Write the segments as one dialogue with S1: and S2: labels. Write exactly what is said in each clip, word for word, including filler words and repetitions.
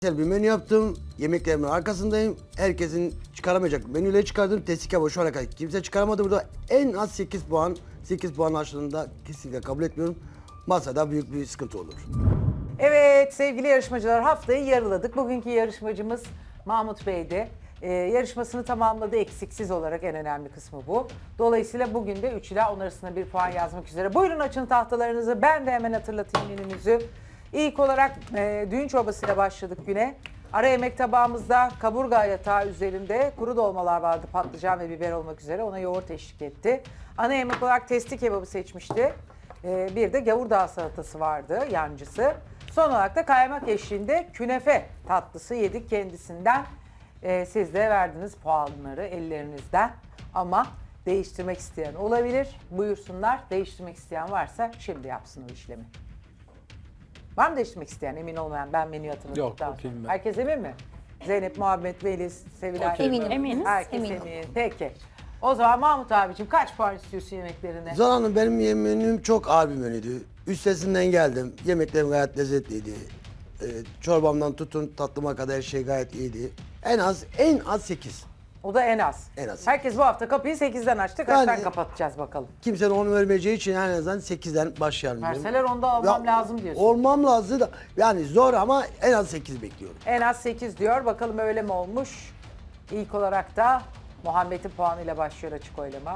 S1: Güzel bir menü yaptım. Yemeklerimin arkasındayım. Herkesin çıkaramayacak menüleri çıkardım. Testi kebabı şu ana kadar kimse çıkaramadı. Burada en az sekiz puan. sekiz puan aşağılığında kesinlikle kabul etmiyorum. Masada büyük bir sıkıntı olur.
S2: Evet sevgili yarışmacılar, haftayı yarıladık. Bugünkü yarışmacımız Mahmut Bey'di. Ee, yarışmasını tamamladı eksiksiz olarak, en önemli kısmı bu. Dolayısıyla bugün de üç ila on arasında bir puan yazmak üzere. Buyurun açın tahtalarınızı, ben de hemen hatırlatayım menümüzü. İlk olarak e, düğün çorbasıyla başladık güne. Ara yemek tabağımızda kaburga yatağı üzerinde kuru dolmalar vardı, patlıcan ve biber olmak üzere. Ona yoğurt eşlik etti. Ana yemek olarak testi kebabı seçmişti. Ee, bir de gavurdağ salatası vardı, yancısı. Son olarak da kaymak eşliğinde künefe tatlısı yedik kendisinden. Ee, siz de verdiniz puanları ellerinizden. Ama değiştirmek isteyen olabilir. Buyursunlar. Değiştirmek isteyen varsa şimdi yapsın o işlemi. Var mı değiştirmek isteyen? Emin olmayan, ben menüyü hatırladıktan
S3: Yok,
S2: sonra.
S3: okeyim ben.
S2: Herkes emin mi? Zeynep, Muhammed, Melis, Sevilay.
S3: Okey.
S4: Eminim. Eminiz.
S2: Herkes
S4: Eminim.
S2: emin. Peki. O zaman Mahmut abicim kaç puan istiyorsun yemeklerine?
S1: Zan Hanım, benim menüm çok ağır bir menüydü. Üstesinden geldim. Yemeklerim gayet lezzetliydi. Ee, çorbamdan tutun tatlıma kadar her şey gayet iyiydi. En az en az sekiz.
S2: O da en az.
S1: En az.
S2: Herkes bu hafta kapıyı sekizden açtı. Kaçtan
S1: Yani-
S2: kapatacağız bakalım.
S1: Kimsenin onu vermeyeceği için en azından sekizden başlayalım. diyorum.
S2: Verseler onda olmam
S1: Ya,
S2: lazım diyorsun.
S1: Olmam lazım da yani zor ama en az sekiz bekliyorum.
S2: En az sekiz diyor. Bakalım öyle mi olmuş? İlk olarak da Muhammed'in puanıyla başlıyor açık oylama.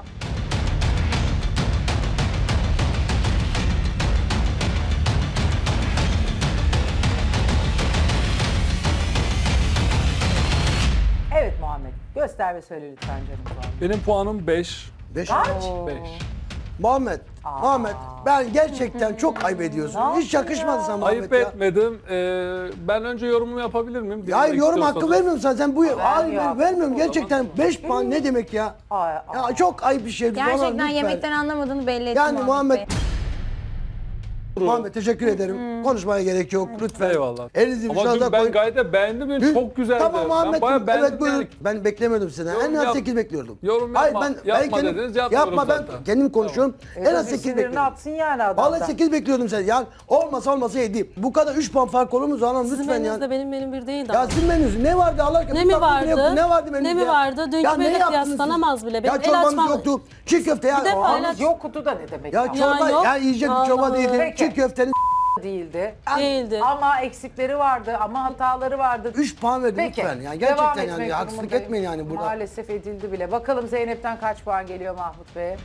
S2: Evet Muhammed. Göster ve söyle lütfen canım puanı.
S3: Benim puanım beş.
S1: Beş.
S2: Kaç?
S3: beş.
S1: Muhammed, Muhammed ben gerçekten çok ayıp ediyorsun.
S2: Ne
S1: Hiç yakışmadı sana Muhammed
S3: Ayıp
S1: ya.
S3: etmedim. Ee, ben önce yorumumu yapabilir miyim?
S1: Ya hayır,
S3: Dinlemek
S1: yorum hakkı
S3: istiyorsanız.
S1: vermiyorum sana. Sen bu hayır
S2: ya.
S1: ben vermiyorum. Gerçekten beş puan ne demek ya?
S2: Ay,
S1: Ya çok ayıp bir şey.
S4: Gerçekten yemekten anlamadığını belli etti
S1: Yani Muhammed-
S4: Bey.
S1: Muhammed teşekkür ederim. Konuşmaya gerek yok lütfen.
S3: Eyvallah.
S1: Elinizi
S3: Ama
S1: vicdanınıza
S3: dün ben
S1: koyun.
S3: gayet de beğendim.
S1: Dün-
S3: Çok güzeldi.
S1: Tamam Muhammed.
S3: Ben bayağı beğendim.
S1: Evet buyurun.
S3: yani.
S1: Ben beklemiyordum seni.
S3: Yorum
S1: En az
S3: yap-
S1: sekiz bekliyordum.
S3: yorum
S1: Hayır,
S3: yapma.
S1: ben, ben
S3: Yapma
S1: kendim,
S3: dediniz, yapmıyorum
S1: yapma ben
S3: zaten.
S1: kendim konuşuyorum. En az
S2: bir
S1: sekiz
S2: sinirini
S1: bekliyordum.
S2: atsın yani adamdan.
S1: Vallahi sekiz bekliyordum seni. Yani olmasa olmasa yedi. Bu kadar üç puan fark olur mu Zanan
S5: Sizin
S1: lütfen
S5: menünüzde
S1: ya.
S5: benim menüm bir değildi
S1: Ya
S5: ama.
S1: sizin menünüz ne vardı Allah aşkına?
S5: Ne
S1: Bir
S5: mi
S1: tatlı bile
S5: vardı?
S1: yoktu. Ne vardı menüde
S5: Ne mi
S1: ya?
S5: vardı? Dünkü
S1: Ya ne
S5: menüyle
S1: yaptınız siz?
S5: kıyaslanamaz bile.
S1: Ya
S5: Benim el
S1: çorbanız
S5: açmam-
S1: yoktu. Çiğ köfte ya.
S5: Bir defa
S1: Aa,
S5: el aç-
S2: Yok kutu da ne demek
S1: Ya
S2: ya?
S1: çorba
S5: yok.
S1: ya yiyecek bir çorba
S5: Allah.
S1: değildi.
S2: Peki.
S1: Çiğ köftenin
S2: Değildi.
S5: Değildi.
S2: Ama eksikleri vardı, ama hataları vardı.
S1: üç puan verdi
S2: Peki.
S1: lütfen. Yani
S2: devam
S1: gerçekten
S2: etmek
S1: yani haksızlık
S2: durumundayım.
S1: etmeyin yani burada.
S2: Maalesef edildi bile. Bakalım Zeynep'ten kaç puan geliyor Mahmut Bey'e?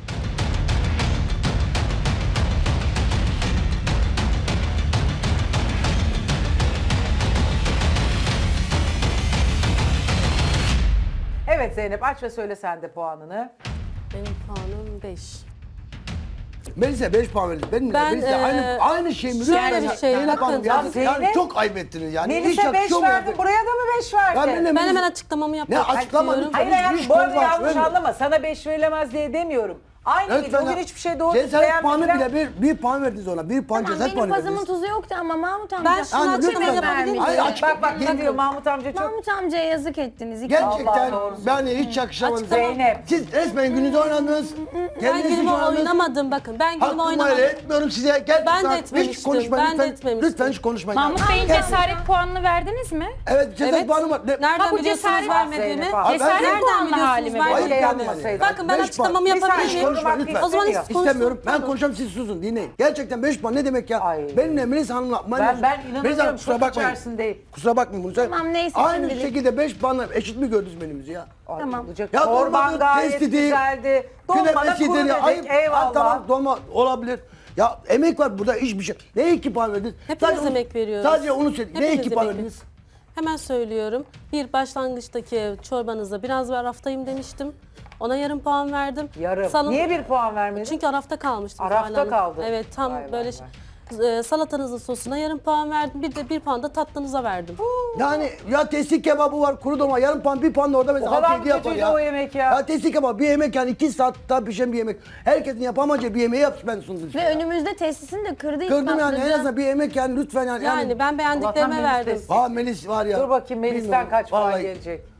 S2: Evet Zeynep, aç ve söyle sen de puanını.
S5: Benim puanım beş.
S1: Melis'e beş puan verdi. Benim
S5: Ben,
S1: Melis'e
S5: eee,
S1: aynı aynı şey mi?
S5: şöyle
S1: Lütfen
S5: bir
S1: ya.
S5: şey,
S1: Zeynep
S5: bakın.
S1: Hanım, yani,
S2: Ya Zeynep-
S1: yani çok ayıp ettiniz yani. Hiç
S2: Melis'e beş
S1: yakışıyor mu
S2: verdi,
S1: yani?
S2: buraya da mı beş verdi?
S1: Ya benimle
S5: Ben
S1: Melis-
S5: hemen açıklamamı
S1: Ne
S5: yapmak
S1: açıklama
S5: istiyorum.
S1: lütfen.
S2: Hayır hayır,
S1: Hiç
S2: bu arada
S1: konu
S2: yanlış
S1: vermiyorum.
S2: anlama. Sana beş verilemez diye demiyorum. Aynı
S1: Evet,
S2: gibi. Bugün
S1: ben-
S2: hiçbir şey doğru
S1: Cesaret puanı
S2: beğenmediler.
S1: bile bir, bir puan verdiniz ona. Bir puan
S4: Tamam,
S1: cesaret
S4: benim
S1: puanı
S4: pazımın
S1: verdiniz.
S4: tuzu yoktu ama Mahmut amca.
S5: Ben şunu
S1: Yani
S5: açıklama
S1: lütfen-
S5: yapabilir miyim?
S1: Hayır, açık-
S2: Bak bak ne
S1: Yemin-
S2: diyor Mahmut amca, çok...
S4: Mahmut amcaya yazık ettiniz. İki
S2: Allah
S1: Gerçekten
S2: doğrusu.
S1: ben hiç yakışamadım.
S5: Açıklama-
S2: Zeynep.
S1: Siz resmen gününüzü oynadınız.
S5: Ben
S1: Kendiniz için
S5: günümü
S1: oynadınız.
S5: oynamadım bakın. Ben günümü
S1: Hakkımı
S5: oynamadım.
S1: helal etmiyorum size. Gerçekten
S5: Ben de
S1: hiç
S5: etmemiştim,
S1: konuşmayın
S5: ben de
S1: lütfen.
S5: etmemiştim.
S1: Lütfen hiç konuşmayın.
S6: Mahmut Bey'in
S1: Gel-
S6: cesaret puanını verdiniz mi?
S1: Evet cesaret
S5: Evet.
S1: puanı var. Ne-
S5: Nereden
S6: Ha, bu
S5: biliyorsunuz
S6: cesaret-
S5: vermediğimi?
S2: Zeynep abi.
S6: Cesaret
S1: ben-
S6: puanlı
S5: Nereden
S6: hali mi
S5: biliyorsunuz
S6: bu?
S1: Ayıp
S5: vermediğimi?
S1: yani.
S2: Yapmasaydı.
S5: Bakın ben
S1: Beş
S5: açıklamamı
S1: puan.
S5: yapabilir
S2: Bir
S5: miyim?
S2: saniye.
S1: Konuşma lütfen.
S2: O
S5: zaman hiç
S2: İstemiyor.
S1: İstemiyorum. Ben
S5: Pardon.
S1: konuşacağım, siz susun dinleyin. Gerçekten beş puan ne demek ya?
S2: Ay.
S1: Benimle Melis Hanım'la
S2: Ben, ben
S1: Melis Hanım,
S2: inanamıyorum,
S1: kusura
S2: çok
S1: bakmayın.
S2: içerisindeyim.
S1: Kusura bakmayın bunu söyle.
S4: Tamam, neyse,
S1: Aynı
S4: şimdilik.
S1: şekilde beş puanla eşit mi gördünüz menümüzü ya?
S2: Ay,
S4: Tamam.
S2: olacak.
S1: Ya
S2: Çorban
S1: dolmadır,
S2: gayet
S1: testi değil.
S2: güzeldi. Dolma da
S1: Künefesidir
S2: kuru
S1: ya.
S2: dedik.
S1: Ayıp.
S2: Eyvallah.
S1: Ha, tamam dolma olabilir. Ya emek var burada, hiçbir şey. Neye iki puan verdiniz?
S5: Hepimiz
S1: Sadece onu-
S5: emek veriyoruz.
S1: Sadece onu söyle. Neye
S5: Hepimiz
S1: iki puan
S5: emek
S1: verdiniz?
S5: Hemen söylüyorum. Bir başlangıçtaki çorbanızda biraz var raftayım demiştim. Ona yarım puan verdim.
S2: Yarım.
S5: Salın-
S2: Niye bir puan vermedin?
S5: Çünkü arafta kalmıştım.
S2: Arafta
S5: Zuhal Hanım.
S2: kaldı.
S5: Evet tam
S2: Vay vay
S5: böyle
S2: vay.
S5: e, salatanızın sosuna yarım puan verdim. Bir de bir puan da tatlınıza verdim.
S1: Yani ya testi kebabı var, kuru dolma, yarım puan, bir puan da orada mesela
S2: O kadar
S1: hak
S2: mı
S1: ediyor yapar
S2: kötüydü
S1: ya.
S2: o yemek ya?
S1: Ya testi kebabı bir yemek yani iki saatte pişen bir yemek. Herkesin yapamayacağı bir yemeği yapmış ben sundum.
S4: Ve önümüzde testisini de kırdı.
S1: Kırdım yani en
S4: ispatladı.
S1: azından bir yemek yani lütfen yani.
S5: Yani ben beğendiklerime
S2: Allah'tan
S5: verdim.
S2: Melis
S1: Aa Melis var ya.
S2: Dur bakayım Melis'ten
S1: Bilmiyorum,
S2: kaç puan
S1: vallahi.
S2: gelecek?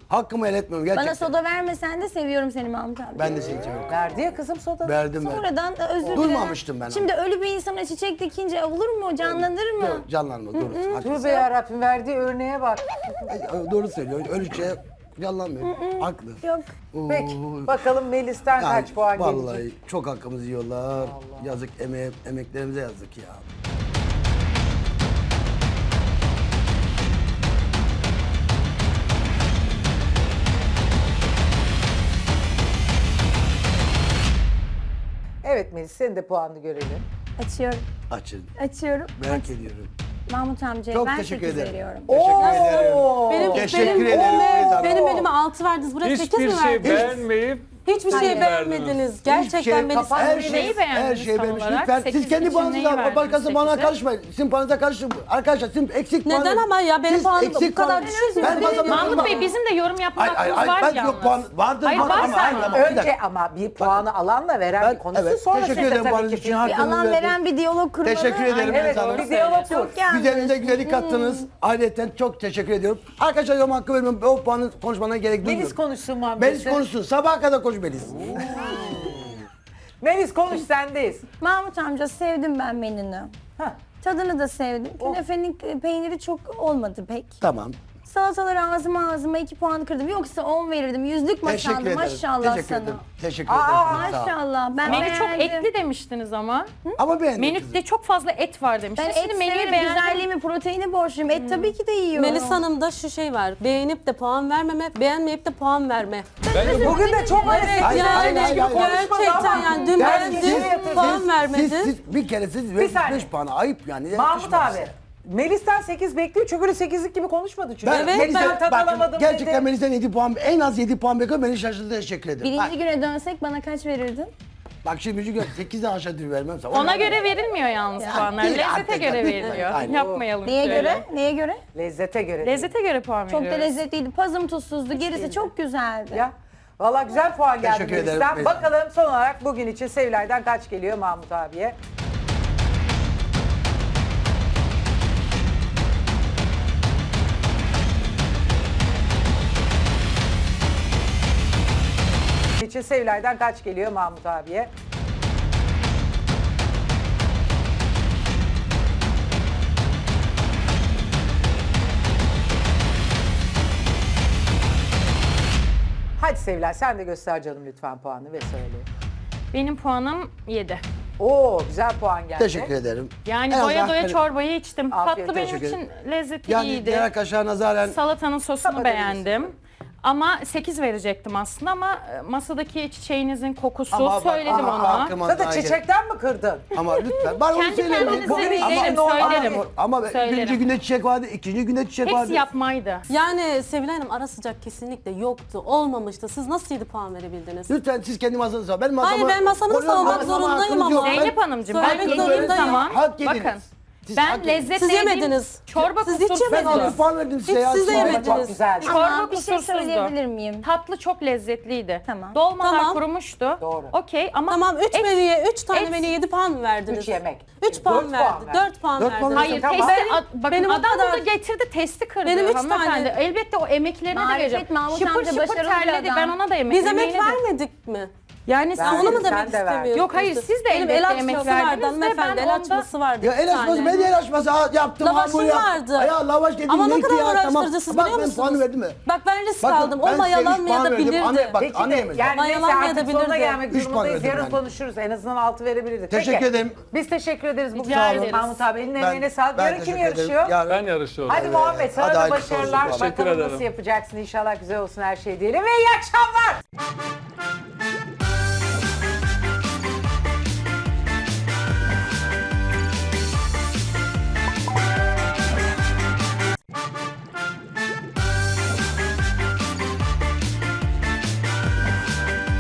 S1: Hakkımı el etmiyorum gerçekten.
S4: Bana soda vermesen de seviyorum seni Mahmut abi.
S1: Ben de seni seviyorum.
S2: Verdi ya kızım soda.
S1: Verdim ben.
S4: Sonradan da özür dilerim.
S1: Duymamıştım ben onu.
S4: Şimdi ölü bir insana çiçek dikince olur mu? Canlanır mı?
S1: Dur, canlanma dur.
S2: Tövbe yarabbim verdiği örneğe bak.
S1: Doğru söylüyor. Öyle şey canlanmıyor. Haklı.
S4: Yok.
S2: Peki
S1: Oo.
S2: bakalım Melis'ten
S1: Yani
S2: kaç puan
S1: vallahi
S2: gelecek?
S1: çok hakkımızı yiyorlar. Yazık emeğe, emeklerimize yazık ya.
S2: Evet Melis senin de puanını görelim.
S4: Açıyorum.
S1: Açın.
S4: Açıyorum.
S1: Merak
S4: Aç.
S1: ediyorum.
S4: Mahmut amcaya
S1: Çok
S4: ben
S1: teşekkür
S4: sekiz
S1: ederim.
S4: veriyorum.
S1: Teşekkür ederim.
S5: Benim,
S1: Teşekkür
S5: benim,
S1: ederim Feyza Hanım.
S5: benim elime altı verdiniz. Buraya sekiz
S3: Hiçbir
S5: mi
S3: şey
S5: verdiniz?
S3: beğenmeyip
S5: Hiçbir şey
S4: Hayır.
S5: beğenmediniz. Gerçekten
S1: Hiçbir şey,
S5: Melis
S2: kapat-
S1: her
S2: Neyi
S1: şey,
S6: Neyi beğendiniz
S1: her şey
S6: tam
S1: beğenmiş.
S6: olarak?
S1: Lütfen siz
S6: Sekiz
S1: kendi
S6: için
S1: puanınızı
S6: neyi
S1: alın.
S6: verdiniz
S1: Başkası bana
S6: sekize?
S1: karışmayın. Sizin puanınıza karışın. Arkadaşlar sizin eksik puanınız.
S5: Neden ama ya? Benim
S1: Siz
S5: puanım bu
S1: eksik
S5: kadar
S1: puan-
S5: düşük.
S1: Ben basamıyorum.
S6: Mahmut Bey bizim de yorum yapma
S1: Ay, ay,
S6: hakkımız
S1: ay,
S6: var
S1: ben
S6: yalnız.
S1: yok puan vardır.
S6: Hayır,
S1: vardır
S6: var
S1: ama,
S6: zaten.
S1: ama, ama, bir
S2: Önce
S1: dakika.
S2: ama bir puanı alanla veren
S1: Ben-
S2: bir konusu
S1: evet,
S2: sonra
S1: teşekkür
S2: siz de
S1: ederim
S2: tabii
S1: puanınız
S2: ki
S1: için.
S2: fikir-
S4: Bir
S1: Hakkınızı
S4: alan
S1: verdim.
S4: veren bir diyalog kurmalı.
S1: Teşekkür ederim.
S2: Evet
S1: Feyza Hanım.
S2: bir diyalog kur.
S4: Çok yanlış.
S1: Güzelinize güzellik kattınız. Ayrıca çok teşekkür ediyorum. Arkadaşlar yorum hakkı vermiyorum. O puanı konuşmana gerek duymuyorum.
S2: Melis konuşsun Muhammed.
S1: Melis konuşsun. Sabaha kadar konuş Melis.
S2: Melis konuş sendeyiz.
S4: Mahmut amca sevdim ben menünü.
S2: Hah.
S4: Tadını da sevdim.
S1: Oh.
S4: Künefenin peyniri çok olmadı pek.
S1: Tamam.
S4: Salataları ağzıma ağzıma iki puan kırdım. Yoksa on verirdim. Yüzlük
S1: Teşekkür
S4: masandı
S1: ederim.
S4: maşallah
S1: Teşekkür
S4: sana.
S1: ederim. Teşekkür
S2: Aa,
S1: ederim. Sağ ol.
S4: Maşallah. Ben
S6: Menü çok
S4: beğendim.
S6: etli demiştiniz ama.
S1: Ama beğendim.
S6: Menüde çok fazla et var
S4: Ben
S6: demiştiniz.
S4: et
S6: Şimdi menüyü
S4: severim,
S6: beğendim.
S4: güzelliğimi, proteini borçluyum. Et tabii ki de yiyorum.
S5: Melis Hanım'da şu şey var. Beğenip de puan vermeme, beğenmeyip de puan verme.
S2: Bugün de çok
S5: Evet
S2: hareketli.
S1: Hayır, hayır,
S5: yani
S1: hayır, hayır.
S5: gerçekten yani dün
S2: Yani
S5: beğendim,
S2: geriye yatırdın.
S5: puan vermedi.
S1: Siz, siz bir kere siz
S2: Bir saniye.
S1: beş puanı ayıp yani.
S2: Mahmut
S1: Yakışmaz
S2: abi.
S1: size.
S2: Melis'ten sekiz bekliyor çünkü öyle sekizlik gibi konuşmadı çünkü.
S1: Ben,
S5: Evet,
S1: Melis'e-
S2: ben tad
S1: bakın,
S2: alamadım
S1: gerçekten
S2: dedi.
S1: Melis'ten yedi puan, en az yedi puan bekliyorum. Beni şaşırdı, teşekkür ederim.
S4: Birinci
S1: Bak,
S4: güne dönsek bana kaç verirdin?
S1: bak şimdi birinci gün sekizden aşağı dil vermem sana.
S6: Ona göre verilmiyor yalnız
S1: Ya,
S6: puanlar.
S1: değil
S6: Lezzete
S1: artık.
S6: göre veriliyor.
S1: Aynen.
S6: Yapmayalım
S4: Neye
S6: şöyle.
S4: göre? Neye göre?
S2: Lezzete göre.
S6: Lezzete göre puan
S4: Çok da
S6: veriyoruz.
S4: lezzetliydi. Pazım tuzsuzdu. Gerisi çok güzeldi.
S2: Ya. Valla güzel puan geldi
S1: Teşekkür ederim.
S2: Melis'ten. Bakalım son olarak bugün için Sevilay'dan kaç geliyor Mahmut abiye? için Sevilay'dan kaç geliyor Mahmut abiye? Hadi Sevilay sen de göster canım lütfen puanı ve söyle.
S6: Benim puanım yedi.
S2: Oo güzel puan geldi.
S1: Teşekkür ederim.
S6: Yani
S1: En
S6: doya
S1: azından
S6: doya
S1: hani-
S6: çorbayı içtim.
S2: Afiyet
S6: Tatlı benim
S1: olsun.
S6: için lezzeti
S1: Yani
S6: iyiydi.
S1: diğer arkadaşlar nazaren
S6: Salatanın sosunu
S2: Kapatabilirsin.
S6: beğendim. Ama sekiz verecektim aslında ama e, masadaki çiçeğinizin kokusu
S1: Ama bak,
S6: söyledim
S1: ama
S6: ona.
S1: hakkıma
S2: Zaten
S1: daha gel-
S2: çiçekten mi kırdın?
S1: Ama lütfen. Bana onu
S6: Kendi
S1: söylemeyin.
S6: kendinize
S1: Bugün-
S6: değil,
S1: ama-
S6: derim,
S1: ama-
S6: söylerim.
S1: Ama
S6: Söylerim.
S1: birinci günde çiçek vardı, ikinci günde çiçek vardı.
S6: Hepsi yapmaydı.
S5: Yani Sevilay Hanım ara sıcak kesinlikle yoktu, olmamıştı. Siz nasıl yedi puan verebildiniz?
S1: Lütfen siz kendi masanızı savun. Ben masamı...
S5: Hayır, ben masamı
S1: koruyorum.
S5: savunmak
S1: Ama- ama
S5: zorundayım
S1: hakkınız
S5: ama.
S1: yok. Ben-
S6: Zeynep Hanımcığım ben
S5: Söylemek
S6: yediğim
S5: zorundayım.
S6: zaman
S1: Hak yediniz.
S6: bakın
S1: Siz hak
S6: ben
S1: yediniz.
S6: lezzetle
S5: Siz
S6: yediğim
S5: yemediniz.
S6: çorba
S5: Siz hiç
S6: kusursuzdu.
S1: Ben
S5: yemediniz.
S1: altı puan verdim size
S5: Hiç
S1: ya.
S5: siz de
S1: Çorba
S5: yemediniz.
S2: Çok güzel.
S4: Ama
S6: Çorba
S4: bir şey
S6: kusursuzdu.
S4: söyleyebilir miyim?
S6: Tatlı çok lezzetliydi.
S4: Tamam.
S6: Dolmalar
S5: Tamam.
S6: kurumuştu.
S2: Doğru.
S6: Okey ama
S5: Tamam üç
S6: et-
S5: menüye, üç tane
S6: et-
S5: menüye yedi puan mı verdiniz?
S2: Üç yemek.
S5: Üç puan
S2: Dört
S5: verdi.
S2: puan verdi.
S5: Dört puan
S1: Dört
S5: verdi.
S1: puan
S6: Hayır,
S2: Tamam.
S6: testi,
S5: Benim-
S6: a- bakın
S5: benim o
S6: adam
S5: kadar-
S6: burada getirdi, testi kırdı
S5: Benim üç
S6: hanımefendi.
S5: tane-
S6: Elbette o emeklerine de
S4: Marifet
S6: vereceğim.
S4: Mahmut
S6: Şıpır
S4: amca
S6: şıpır
S4: başarılı bir
S6: terledi,
S4: adam.
S6: ben ona da emek
S5: Biz emek
S6: emeğine de-
S5: vermedik mi?
S6: Yani
S2: Ben-
S6: siz
S5: Onu mu
S2: Sen
S5: demek
S2: de ver.
S5: istemiyorsunuz?
S6: Yok, hayır, siz de
S5: Benim
S6: elbette
S5: el
S6: emek
S5: açması vardı
S6: verdiniz de
S5: hanımefendi.
S6: ben
S5: El
S6: onda-
S5: açması vardı.
S1: Ya
S5: bir
S1: el açması,
S5: tane.
S1: ben de el açması ha, yaptım.
S5: Lavaşım
S1: hamur yaptım.
S5: vardı.
S1: Ya lavaş dedim
S5: Ama ne
S1: neydi
S5: kadar
S1: ya,
S5: uğraştırdı
S1: tamam.
S5: siz
S1: Bak
S5: biliyor
S1: ben
S5: musunuz?
S1: puanı verdim mi?
S5: Bak ben risk
S1: Bakın,
S5: aldım.
S1: ben size üç
S5: Olmayalanmayabilirdi.
S1: puan verdim. Bak,
S2: Peki de
S1: anlayamadım.
S2: yani
S5: Bana
S2: neyse
S5: yalan
S2: artık sonuna
S5: diyebilirdi.
S2: gelmek
S1: Üç puan
S2: durumundayız.
S1: verdim
S2: Yarın
S1: ben.
S2: konuşuruz. En azından altı verebilirdik.
S1: Teşekkür
S2: Peki.
S1: ederim.
S2: Biz teşekkür ederiz bugün.
S6: Rica ederiz.
S2: Mahmut abi elinin
S1: Ben-
S2: emeğine sağlık.
S1: ben
S2: Yarın kim
S1: teşekkür ederim.
S2: yarışıyor?
S1: Yarın-
S3: Ben yarışıyorum.
S2: Hadi Muhammed sana
S1: Hadi
S2: da
S1: hayırlısı olsun.
S2: başarılar.
S3: Teşekkür
S2: Bakalım
S3: ederim.
S2: nasıl yapacaksın. İnşallah güzel olsun her şey diyelim ve iyi akşamlar.